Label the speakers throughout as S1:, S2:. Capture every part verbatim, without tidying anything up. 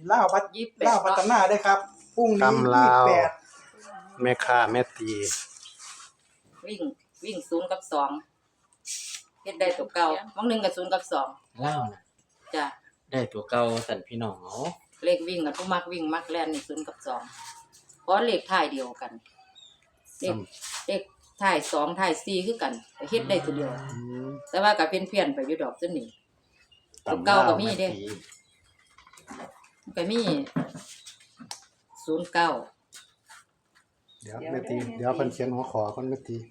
S1: เล่าพัดยิบเล่าพัฒนาได้ครับพรุ่งนี้ยี่สิบแปด
S2: แม่ค้าแม่ตี
S3: วิ่งวิ่งศูนย์กับสองเฮ็ดได้ตัวเก่าบางหนึ่งกับศูนย์กับสอง
S4: เล่านะ
S3: จ้ะ
S4: ได้ตัวเก่าสั่นพี่น้องเอา
S3: เลขวิ่งกับผู้มักวิ่งมักแล่นนี่ศูนย์กับสองเพราะเลขท้ายเดียวกันเลขเลขท้ายสองท้ายสี่คือกันเฮ็ดได้ตัวเดียวแต่ว่าก็เพี้ยนๆไปอยู่ดอกซุนี่ตัวเก่าก็มีเด้ก็มีศูนย์เก้า
S2: เดี๋ยวแม่ตีเดี๋ยวเพิ่นเขียนหัวขอเพิ่นแม่ตี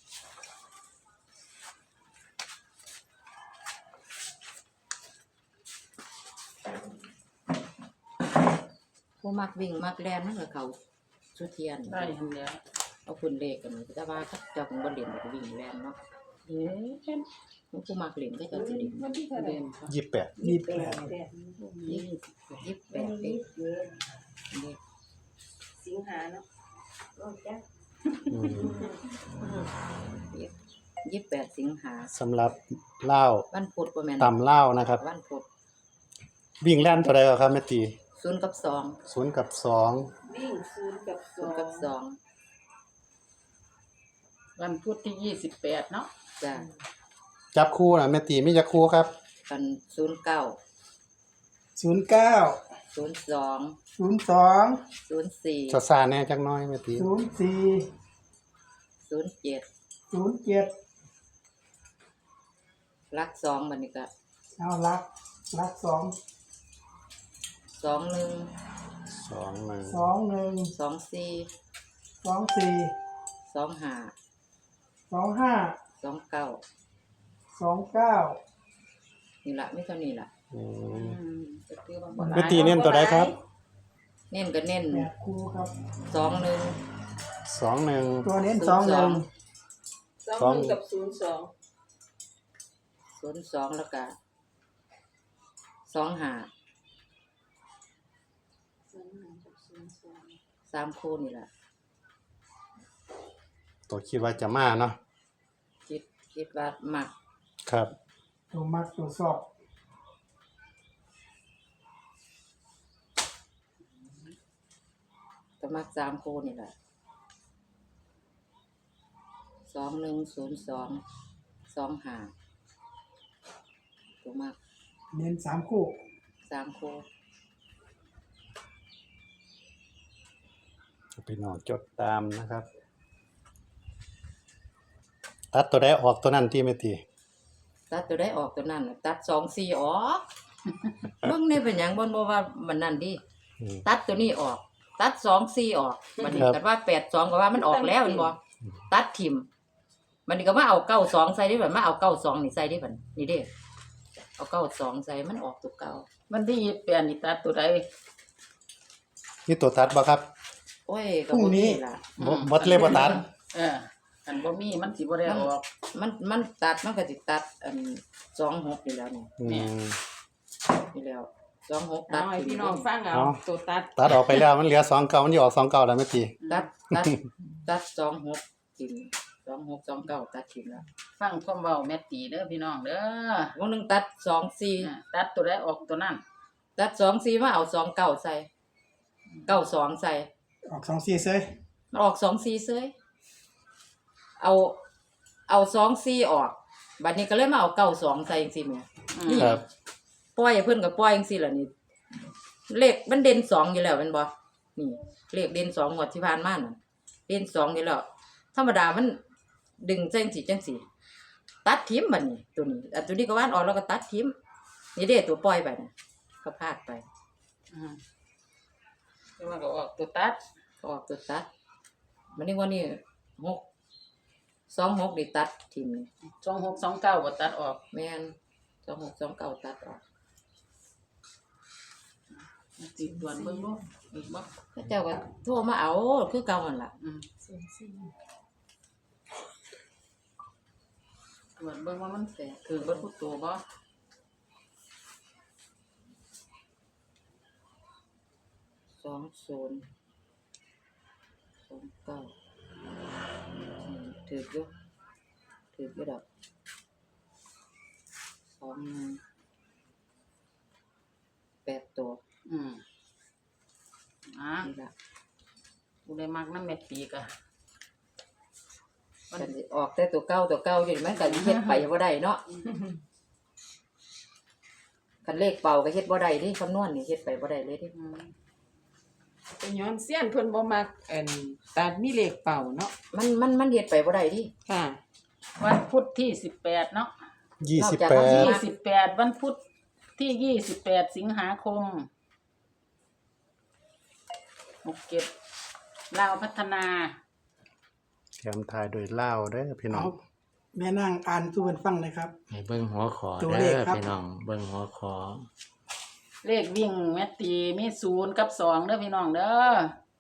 S3: ผู้มักวิ่งมักแล่นมันก็เขาสุเทียน
S1: ได้เห็นแล้ว
S3: เอาคุณเลขกันแต่ว่าถ้าเจ้าของบ่เล่นก็วิ่งแล่นเนาะ
S1: เอ๊ะ
S3: ผู้มักเล่นก็จะสิเล่น
S1: วันที่เท่าไหร่
S2: ยี่สิบแปด
S1: ยี่สิบแปด
S3: ยี่สิบแปดเอง
S1: สิงหาเนาะ
S2: อืม
S3: ยี่สิบแปดสิงหา
S2: สำหรับเหล้า
S3: วันพุธบ่แม่น
S2: ตำเหล้านะครับ
S3: วันพุธ
S2: วิ่งแล่นเท่าใดครับแม่ตี
S3: ศูนย์กับสอง
S2: ศูนย์กับสอง
S1: วิ่งศูนย์กับส
S3: ศู
S1: อน
S3: ย์กับสอง
S1: วันพุธที่ยี่สิบแปดเนาะ
S3: จ้ะ
S2: จับคู่น่ะแม่ตีมีจักคู่ครับ
S3: กันศูนย์เก้า
S1: ศูนย์เก้า
S3: ศูนย์สอง
S1: ศูนย์สอง
S3: ศูนย์สี่
S2: ซะซาแน่จักหน่อยแม่ตี
S1: ศูนย์สี่
S3: ศูนย์เจ็ด
S1: ศูนย์เจ็ด
S3: ลักสองบัดนี้ก็
S1: เอาลักลักสอง
S3: สองหนึ่ง
S2: สองหนึ่ง
S1: สองหนึ่ง
S3: สองสี่
S1: สองสี่
S3: สองห้า
S1: สองห้า
S3: สองเก้า
S1: สองเก้า
S3: นี่ล่ะมีเท่านี้ล่ะ
S2: อืม
S3: ก็คือว่าบ่หลา
S2: แม่
S3: ย
S2: ตีเน้นตัวใดครับ
S3: เน้นก็เน้น
S1: แปดคู่ครับ
S3: สองหนึ่ง
S2: สองหนึ่ง
S1: ตัวเน้นสองหนึ่ง
S2: สอง
S1: กับศูนย์สอง
S3: ศูนย์สองแล้วก็สองห้าสามคู่นี่ล่ะ
S2: ตัวคิดว่าจะมาเนาะ
S3: คิดคิดว่ามัก
S2: ครับ
S1: ตัวมักตัวสอบ
S3: ก็มักสามคู่นี่แหละสองหนึ่งศูนย์สองสองห้าตัวมัก
S1: เน้นสามคู่
S3: สามคู่
S2: พี่น้องจดตามนะครับตัดตัวใดออกตัวนั้นที่แม่ตี
S3: ตัดตัวได้ออกตัวนั้นตัดสองสี่ออกเบิ่งนี่เป็นหยังบ่บ่ว่ามันนั่นดิตัดตัวนี้ออกตัดสองสี่ออกมันนี่ก็ว่าแปดสองก็ว่ามันออกแล้วแม่นบ่ตัดทิ่มมันนี่ก็มาเอาเก้าสองใส่ได้บัดมาเอาเก้าสองนี่ใส่ได้บัดนี่เด้เอาเก้าสองใส่มันออกตัวเก่า
S1: วันที่ยี่สิบแปดนี่ตัดตัวใด
S2: นี่ตัวตัดบ่ครับ
S3: โอ้ยก็บ่มีล่ะ
S2: บ่บ่เลยบ่ตัด
S1: เอออันบ่มีมันสิบ่ได้ออก
S3: มันมันตัดมันก็สิตัดอันสองหกนี่แล้วนี่
S2: อืม
S3: นี่แล้วสองหกตัด
S1: ให้พี่น้องฟังเอาตัวตัด
S2: ตัดออกไปแล้วมันเหลือสองเก้ามันสิออกสองเก้าแล้วแม่ตี
S3: ตัดตัดตัดสองหกทิ่มสองหก สองเก้าตัดทิ่มแล้ว
S1: ฟังความเว้าแม่ตีเด้อพี่น้องเด้อ
S3: วงนึงตัดสองสี่
S1: ตัดตัวใดออกตัวนั้น
S3: ตัดสองสี่มาเอาสองเก้าใส่เก้าสองใส่
S1: ออกสองสี่เซ้ย
S3: มันออกสองสี่เซ้ยเอาเอาสองสี่ออกบัดนี้ก็เลยมาเอาเก้าสองใส่จังซี่แม่นี่ปล่อยเพิ่นก็ปล่อยจังซี่ล่ะนี่เลขมันเด่นสองอยู่แล้วแม่นบ่นี่เลขเด่นสองงวดที่ผ่านมาน่ะเด่นสองอยู่แล้วธรรมดามันดึงจังซี่จังซี่ตัดทิ่มบัดนี้ตัวนี้อันตัวนี้ก็วานออกแล้วก็ตัดทิ่มนี่เด้ตัวปล่อยไปน่ะก็พลาดไป
S1: อือแล้วมันก็ออกตัวตัด
S3: ออกตัวตัดมันนี่ว่านี่หกสองหกนี่ตัดทิ่ม
S1: สองหก สองเก้าบ่ตัดออก
S3: แม่นสองหก สองเก้าตัดออก
S1: สิดวนเบิ่งบ่อีกบ่
S3: เขาเจ้าก็โทรมาเอาคือเก่าหั่นล่ะ
S1: อืมดวนเบิ่งว่ามันแสคือเบิดผู้ตัวบ่
S3: สองศูนย์สองเก้าถืออยู่ถืออยู่ดอกสองหนึ่งแปดตัว
S1: อืม
S3: ล่ะ
S1: กูได้มักน้ำเม็ดปีกอะ
S3: มันสิออกแต่ตัวเก่าตัวเก่าอยู่นี่มันก็เฮ็ดไปบ่ได้เนาะคันเลขเป่าก็เฮ็ดบ่ได้ดิคำนวณนี่เฮ็ดไปบ่ได้เลยดิ
S1: อืมเป็นย้อนเสี้ยนเพิ่นบ่มักเอ็นตัดมีเลขเป่าเนาะ
S3: มันมันมันเฮ็ดไปบ่ได้ดิ
S1: ค่ะ วันพุธที่สิบแปดเนาะ
S2: ยี่สิบแป
S1: ยี่
S2: ด
S1: สิบแปดวันพุธที่ยี่สิบแปดสิงหาคมหกเก็บลาวพัฒนา
S2: แถมทายโดยเล่าวเด้อพี่น้อ
S5: เอา
S2: ง
S5: แม่นางอ่านสู่เพิ่นฟังเลยครับ
S4: ให้เบิ่งหัวขอ
S5: ตัว
S4: เด้
S5: เลข
S4: อ
S5: ครับ
S4: พี่น้องเบิ่งหัวขอ
S1: เลขวิ่งแม่ตีมีศูนย์กับสองเด้อพี่น้องเด้อ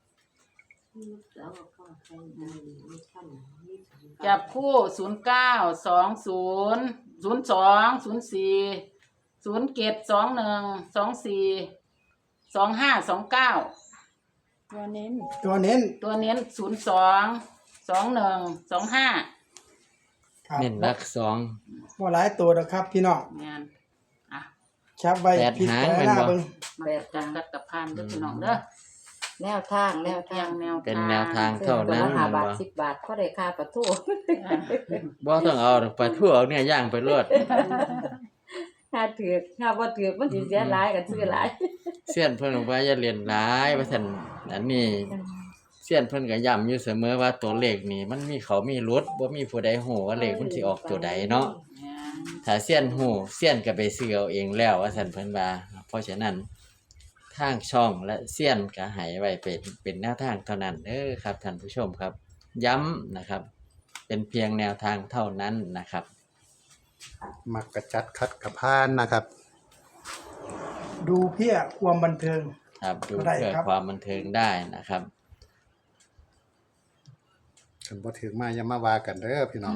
S1: จับคู่ศูนย์เก้าสองศูนย์ศูนย์สองศูนย์สี่ศูนย์เจ็ดสองหนึ่งสองสี่สองห้าสองเก้าตัวเน้น
S5: ตัวเน้น
S1: ตัวเน้นศูนย์สองสองหนึ่งสองห้า
S5: ครับ
S4: เน้นหลักสอง
S5: บ่หลายตัวดอกครับพี่น้อง
S1: งานอ่ะ
S5: ชับไว้
S4: แปด
S5: พิ
S4: หาง
S5: จาร
S4: แม่น
S5: ณา
S4: บ่
S5: เบิ่ง
S1: มาจัดกัดกับพานเด้อพี่น้องเด้อ
S3: แนวทางแนว
S1: เพี
S3: ทาย ง
S1: งแนว
S4: เป็นแนวทางเท่า
S3: ตัว
S4: นั้น
S3: ละห้า
S4: แม่น
S3: บาท
S4: บ่
S3: สิบบาทก็ได้ค่าประตู
S4: บ่ต้องเอาดอกปลาทูเอาเนี่ยย่างไปรวด
S3: ถ้าถือกถ้าบ่ถือกมันสิเสียหลายกันซื้อหลาย
S4: เสี้ยนเพิ่นบอกว่าอย่าเรียนหลายว่าซั่นอันนี้เสี้ยนเพิ่นก็ย้ำอยู่เสมอว่าตัวเลขนี่มันมีเขามีรุดบ่มีผู้ใดฮู้ว่าเลขมันสิออกตัวใดเนาะ ถ้าเสี้ยนฮู้เสี้ยนก็ไปซื้อเอาเองแล้วว่าซั่นเพิ่นว่าเพราะฉะนั้นทางช่องและเสี้ยนก็ให้ไว้เป็นเป็นแนวทางเท่านั้นเด้อครับท่านผู้ชมครับ ย้ำนะครับ เป็นเพียงแนวทางเท่านั้นนะครับ
S2: มักกระจัดคัดกระพานนะครับ
S5: ดูเพื่อความบันเทิง
S4: ครับดู
S5: ได้
S4: เพื่อ
S5: ครับ
S4: ความบันเทิงได้นะครับ
S2: คันบ่ถึงมาอย่ามาว่ากันเด้อพี่น้อง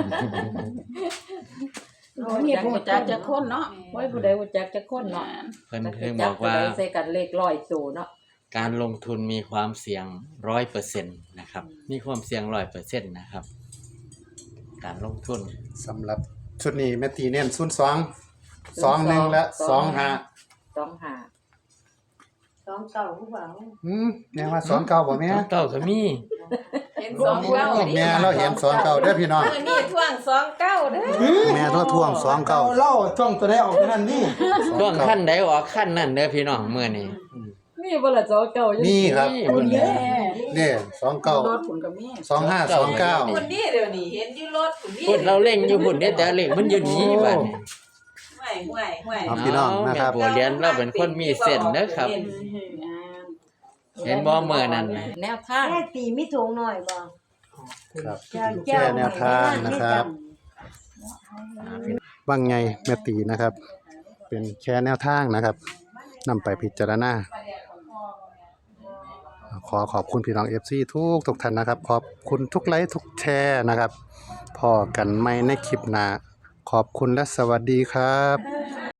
S1: โอ้ยนี่ผู้จักจะคนเนาะ
S3: ไว้ผู้ใดรู้จักจักคนเนาะ
S4: เพิ่นเพิ่งบอกว่า
S3: จัผู้ใดใส่กันเลขร้อยตัวเนาะ
S4: การลงทุนมีความเสี่ยง ร้อยเปอร์เซ็นต์ นะครับ มีความเสี่ยง ร้อยเปอร์เซ็นต์ นะครับ การลงทุน
S2: สำหรับชุดนี้แม่ตีเน้นศูนย์สองสองหนึ่งและสองห้า
S3: สองห้า
S6: สองเก่าผู้บ่าว
S2: อืมแม่ว่าสองเก้าบ่แม่
S4: เก้าก็มี
S6: เห็นสองเก้า
S2: โอ้แม่เราเห็นสองเก้าเด้อพี่น้อง
S6: เออนี่ท่วงสองเก้าเด้อ
S2: แม่เราท่วงสองเก้า
S5: เอาเล่าช่องตัวได้ออกนั่นนี่
S4: ช่วงขั้นใดออกขั้นนั้นเด้อพี่น้องมื้อนี้
S3: มีบ่ล่ะสองเก้าอยู่
S2: นี่ครับ
S4: นี่
S1: คุ
S4: เพิ่
S1: ณ
S4: น
S1: แย่
S2: นี่สองเก้าร
S1: ถคุณกับแม่
S2: สองห้าสองเก้า
S6: คนนี้เดี๋ยวนี้เห็นอยู่รถคนนี้
S4: พุ่นเราเล่งอยู่พุ่นเด้แต่เลขมันอยู่นี้บัดนี้
S6: ห่วยห่วยห่วย
S2: เอาพี่น้องนะครับ
S4: แม่บัวเรียนเราเป็นคนมีเส้นเด้อครับ เห็นบ่มื้อนั้นน่ะ
S3: แนวทาง
S6: แม่ตีไม่ถูกหน่อยบ่
S2: ครับ
S6: เจ้า
S2: แค่แนวทางนะครับว่าไงแม่ตีนะครับ เป็นแค่แนวทางนะครับนำไปพิจารณาขอขอบคุณพี่น้อง เอฟ ซี ทุกทุกท่านนะครับ ขอบคุณทุกไลค์ทุกแชร์นะครับพอกันไม่ในคลิปหน้าขอบคุณและสวัสดีครับ
S6: เ